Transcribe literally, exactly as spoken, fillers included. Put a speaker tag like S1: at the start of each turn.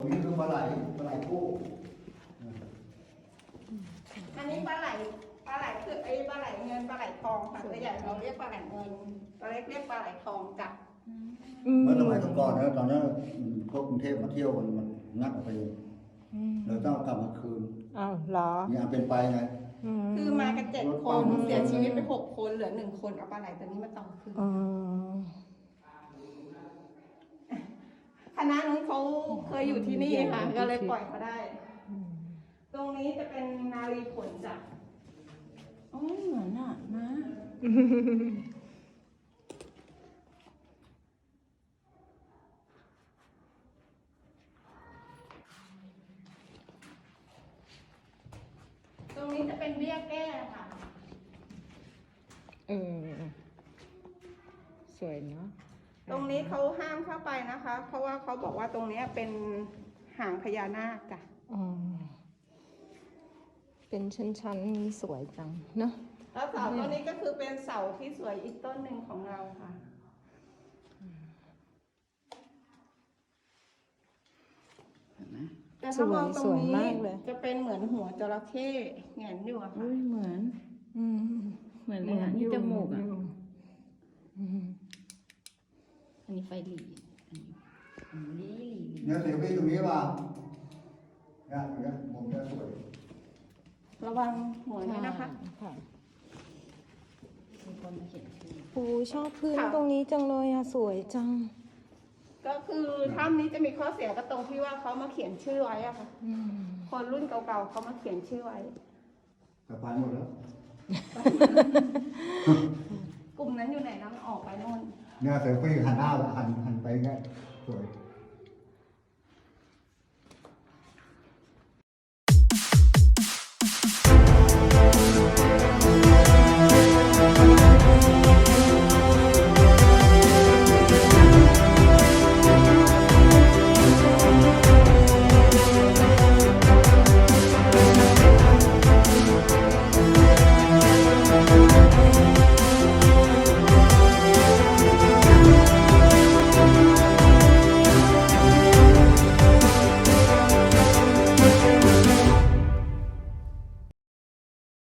S1: นี้คือปลาไหลปลาไหลคู่
S2: อันนี้ปลาไหลปลาไหลคือไอ้ปลาไหลเงินปลาไหลทองค่ะตัวใหญ่เราเรียกปลาไหลเงินตัวเล็กเรียกปลาไหลทองจ้ะ
S1: เมื่อสมัยก่อนนะตอนนั้นพวกกรุงเทพมาเที่ยวมันมันงัดออกไปเลยเราต้องกลับมาคืน
S3: อ้าวเหรอ
S1: มีอันเป็นไปไง
S2: คือมากันเจ็ดคนเสียชีวิตไปหกคนเหลือหนึ่งคนเอาปลาไหลตัวนี้มาต่อคืน
S3: อ๋อ
S2: คณะนู้นเขาเคยอยู่ที่นี่ค่ะก็เลยปล่อยมาได้ ตรงนี้จะเป็นนารีผลจ้ะอ๋อเหมือนอ่ะนะตรงนี้จะเป็นเบี้ยแก้ค่ะ
S3: เออสวยเนาะ
S2: ตรงนี้เขาห้ามเข้าไปนะคะ เพราะว่าเขาบอกว่าตรงนี้เป็นหางพญานาคจ้ะ
S3: อ๋อเป็นชั้นๆนี่สวยจังเนาะ
S2: แล้วเสาต้นนี้ก็คือเป็นเสาที่สวยอีกต้นหนึ่งของเราค่ะแต่ถ้ามองตรงนี้จะเป็นเหมือนหัวจระเข้แหงนอยู่อะค่ะ
S4: อุ้ยเหมือน
S3: อืม
S4: เหมือนเลยอ่ะนี่จมูกอ่ะ
S3: อืม
S4: อันนี้ไฟหลีอันนี้หลีหลี
S1: เนี่ยเสียงพี่ตรงนี้ป่ะเนี่ยตรงนี้มุมนี้สวย
S2: ระวังหัวนี้นะคะ
S3: ค่ะ
S4: มีคนมาเขียนชื่อ
S3: ปูชอบพื้น
S2: ค่ะ
S3: ตรงนี้จังเลยอะสวยจัง
S2: ก็คือถ้ำนี้จะมีข้อเสียก็ตรงที่ว่าเขามาเขียนชื่อไว้อะค่ะ
S3: อืม
S2: คนรุ่นเก่าๆเขามาเขียนชื่อไว้
S1: สะพานหมดแล้ว
S2: กลุ่มนั้นอยู่ไหนนะมันออกไปโน่น
S1: เนี่ยเสียงพี่หันหน้าหันหันไปไงสวย